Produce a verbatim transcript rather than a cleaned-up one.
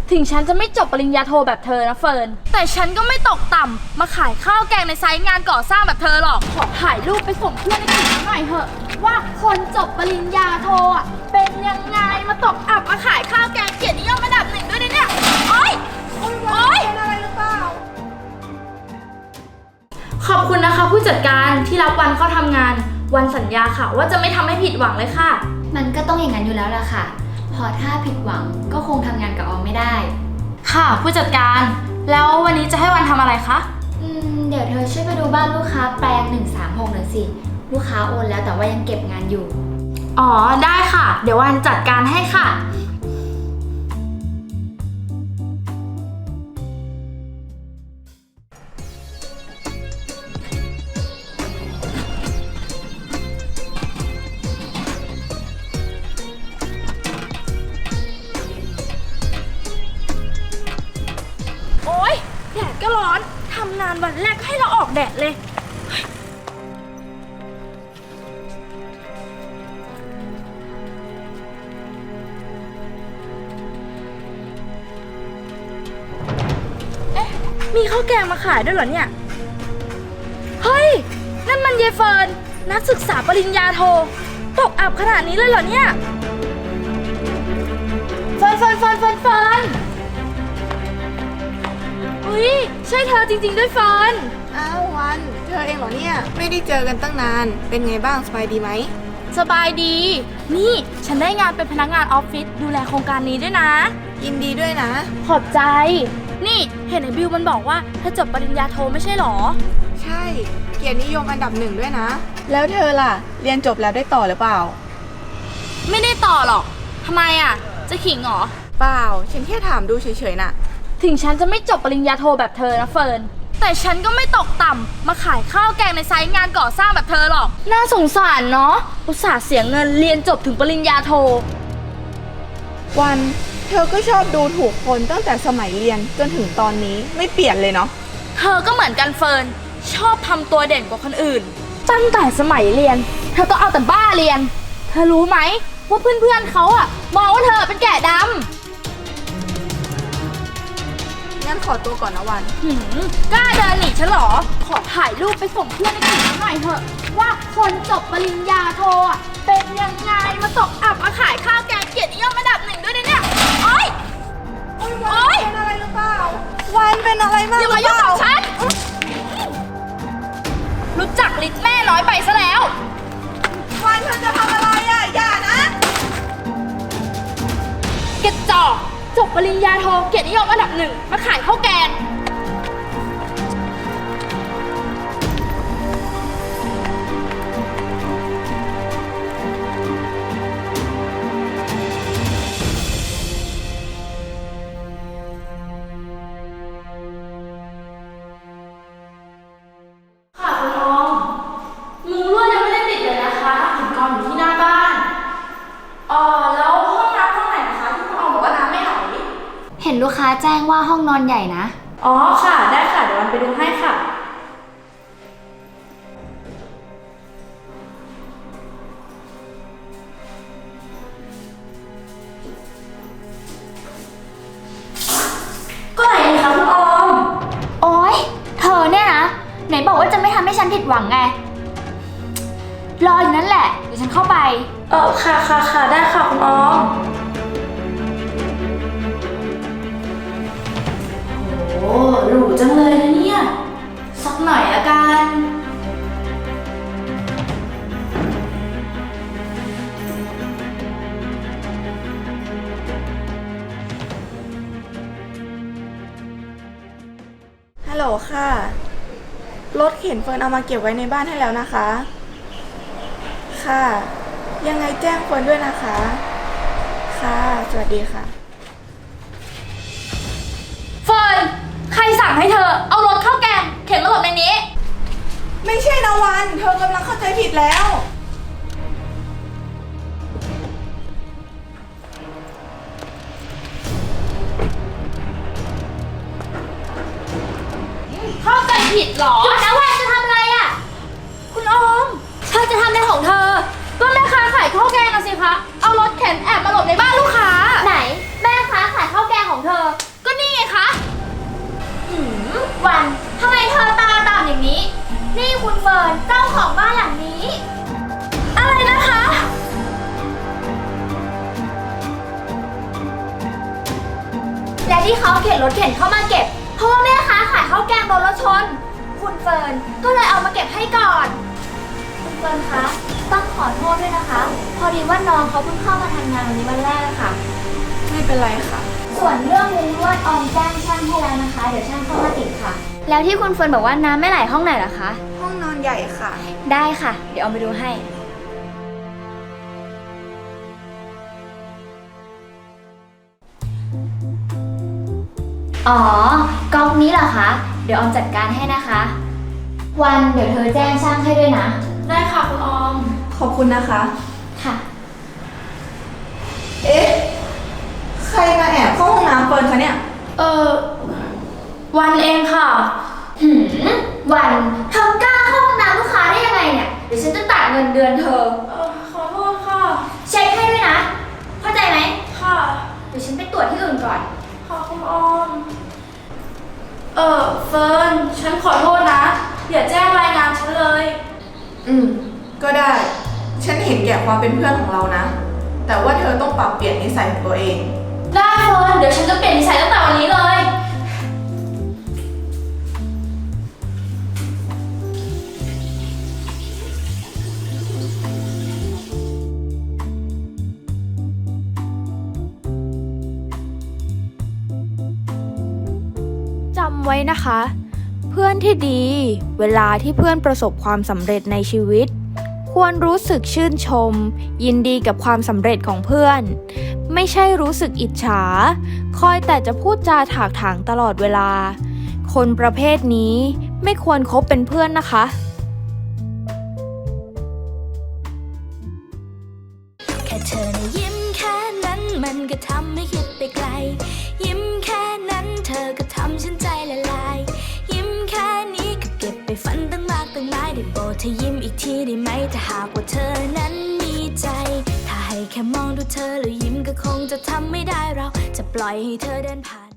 ถึงฉันจะไม่จบปริญญาโทแบบเธอนะเฟิร์นแต่ฉันก็ไม่ตกต่ำมาขายข้าวแกงในไซต์งานก่อสร้างแบบเธอหรอกขอถ่ายรูปไปส่งเพื่อนในกลุ่มหน่อยเถอะว่าคนจบปริญญาโทอ่ะเป็นยังไงมาตกอับมาขายข้าวแกงเกียรตินิยมระดับหนึ่งด้วยนะเนี่ยโอ๊ยโอ๊ยเป็นอะไรหรือเปล่าขอบคุณนะคะผู้จัดการที่รับวันเข้าทำงานวันสัญญาค่ะว่าจะไม่ทำให้ผิดหวังเลยค่ะมันก็ต้องอย่างนั้นอยู่แล้วล่ะค่ะพอถ้าผิดหวังก็คงทำงานกับออมไม่ได้ค่ะผู้จัดการแล้ววันนี้จะให้วันทำอะไรคะอืมเดี๋ยวเธอช่วยไปดูบ้านลูกค้าแปลงหนึ่งสามหกหน่อยสิลูกค้าโอนแล้วแต่ว่ายังเก็บงานอยู่อ๋อได้ค่ะเดี๋ยววันจัดการให้ค่ะโอ๊ยแดดก็ร้อนทำงานวันแรกให้เราออกแดดเลยเอ๊ะมีข้าวแกงมาขายด้วยเหรอเนี่ยเฮ้ยนั่นมันเยเฟิร์นนักศึกษาปริญญาโทตกอับขนาดนี้เลยเหรอเนี่ยเฟิร์นเฟิร์นเฟิร์นเฟิร์นเฟิร์นอุ้ยใช่เธอจริงๆด้วยเฟิร์นอ้าววันเธอเองเหรอเนี่ยไม่ได้เจอกันตั้งนานเป็นไงบ้างสบายดีไหมสบายดีนี่ฉันได้งานเป็นพนักงานออฟฟิศดูแลโครงการนี้ด้วยนะยินดีด้วยนะขอบใจนี่เห็นไอ้บิวมันบอกว่าเธอจบปริญญาโทไม่ใช่หรอใช่เกียรตินิยมอันดับหนึ่งด้วยนะแล้วเธอล่ะเรียนจบแล้วได้ต่อหรือเปล่าไม่ได้ต่อหรอกทำไมอ่ะจะขิงหรอเปล่าฉันแค่ถามดูเฉยๆน่ะถึงฉันจะไม่จบปริญญาโทแบบเธอนะเฟิร์นแต่ฉันก็ไม่ตกต่ำมาขายข้าวแกงในไซต์งานก่อสร้างแบบเธอหรอกน่าสงสารเนาะอุตส่าห์เสียเงินเรียนจบถึงปริญญาโทวันเธอก็ชอบดูถูกคนตั้งแต่สมัยเรียนจนถึงตอนนี้ไม่เปลี่ยนเลยเนาะเธอก็เหมือนกันเฟิร์นชอบทำตัวเด่นกว่าคนอื่นตั้งแต่สมัยเรียนเธอก็เอาแต่บ้าเรียนเธอรู้ไหมว่าเพื่อนๆเขาอะมองว่าเธอเป็นแกะดำงั้นขอตัวก่อนนะวันหืมกล้าเดินหนีฉันเหรอขอถ่ายรูปไปส่งเพื่อนในกลุ่มหน่อยเถอะว่าคนจบปริญญาโทอ่ะเป็นยังไงมาตกอับมาขายข้าวแกงเกียรตินิยมระดับหนึ่งด้วยนะเนี่ยโอ๊ยโอ๊ยเป็นอะไรหรือเปล่าวันเป็นอะไรมากอย่ามายุ่งกับฉันรู้จักลิ้นแม่น้อยไปซะแล้ววันเธอจะทำอะไรอ่ะอย่านะกระจอกจบปริญญาโทเกียรตินิยมอันดับหนึ่งมาขายข้าวแกงค่ะคุณน้องมุ้งลวดยังไม่ได้ติดเลยนะคะหินกองอยู่ที่หน้าบ้านอ๋อแล้วห้องน้ำห้องไหนนะคะที่คุณออมบอกว่าน้ำไม่ไหลเห็นลูกค้าแจ้งว่าห้องนอนใหญ่นะอ๋อค่ะได้ค่ะเดี๋ยววันไปดูให้ค่ะก็ไหนคะคุณออมโอ๊ยเธอเนี่ยนะไหนบอกว่าจะไม่ทำให้ฉันผิดหวังไงรออยู่นั่นแหละเดี๋ยวฉันเข้าไปเออค่ะค่ะค่ะได้ค่ะคุณออมโอ้หรูจังเลยนะเนี่ยสักหน่อยละกันฮัลโหลค่ะรถเข็นเฟิร์นเอามาเก็บไว้ในบ้านให้แล้วนะคะค่ะยังไงแจ้งเฟิร์นด้วยนะคะค่ะสวัสดีค่ะเฟิร์นใครสั่งให้เธอเอารถข้าวแกงเข็นมาหลบในนี้ไม่ใช่นะวันเธอกำลังเข้าใจผิดแล้วเข้าใจผิดหรอหยุดนะวันจะทำอะไรอ่ะคุณออมเธอจะทำในของเธอก็แม่ค้าขายข้าวแกงนะสิคะเอารถเข็นแอบมาหลบในบ้านลูกค้าไหนแม่ค้าขายข้าวแกงของเธอและที่เขาเข็นรถเข็นเข้ามาเก็บ เพราะว่าแม่ค้าขายข้าวแกงโดนรถชน คุณเฟิร์นก็เลยเอามาเก็บให้ก่อน คุณเฟิร์นคะต้องขอโทษด้วยนะคะ พอดีว่าน้องเขาเพิ่งเข้ามาทำงานวันนี้วันแรกค่ะไม่เป็นไรค่ะส่วนเรื่องมุ้งลวดออมแจ้งช่างให้แล้วนะคะ เดี๋ยวช่างเข้ามาติดค่ะ แล้วที่คุณเฟิร์นบอกว่าน้ำไม่ไหลห้องไหนล่ะคะห้องนอนใหญ่ค่ะได้ค่ะ เดี๋ยวเอาไปดูให้ อ๋อก๊อกนี้เหรอคะ เดี๋ยวออมจัดการให้นะคะ วันเดี๋ยวเธอแจ้งช่างให้ด้วยนะได้ค่ะคุณออมขอบคุณนะคะค่ะเอ๊ะ ใครมาแอบเข้าห้องน้ำเฟิร์นคะเนี่ยเออวันเองค่ะหืม วันเธอกล้าเข้าห้องน้ำลูกค้าได้ยังไงเนี่ย เดี๋ยวฉันจะตัดเงินเดือนเธอเออขอโทษค่ะเช็คให้ด้วยนะ เข้าใจไหมค่ะเดี๋ยวฉันไปตรวจที่อื่นก่อนขอบคุณออม เออเฟิร์น ฉันขอโทษนะ อย่าแจ้งรายงานฉันเลยอืม ก็ได้ ฉันเห็นแก่ความเป็นเพื่อนของเรานะ แต่ว่าเธอต้องปรับเปลี่ยนนิสัยของตัวเองได้เฟิร์น เดี๋ยวฉันจะเปลี่ยนนิสัยตั้งแต่วันนี้เลยจำไว้นะคะ เพื่อนที่ดี เวลาที่เพื่อนประสบความสำเร็จในชีวิต ควรรู้สึกชื่นชม ยินดีกับความสำเร็จของเพื่อน ไม่ใช่รู้สึกอิจฉา คอยแต่จะพูดจาถากถางตลอดเวลา คนประเภทนี้ไม่ควรคบเป็นเพื่อนนะคะแค่เธอนะยิ้มแค่นั้นมันก็ทำให้คิดไปไกล ยิ้มแค่นั้นเธอก็ทำฉันใจละลาย ยิ้มแค่นี้ก็เก็บไปฝันตั้งมากตั้งหลายได้โปรดเธอยิ้มอีกทีได้ไหมถ้าหากว่าเธอนั้นมีใจ ถ้าให้แค่มองดูเธอแล้วยิ้มก็คงจะทำไม่ได้เราจะปล่อยให้เธอเดินผ่าน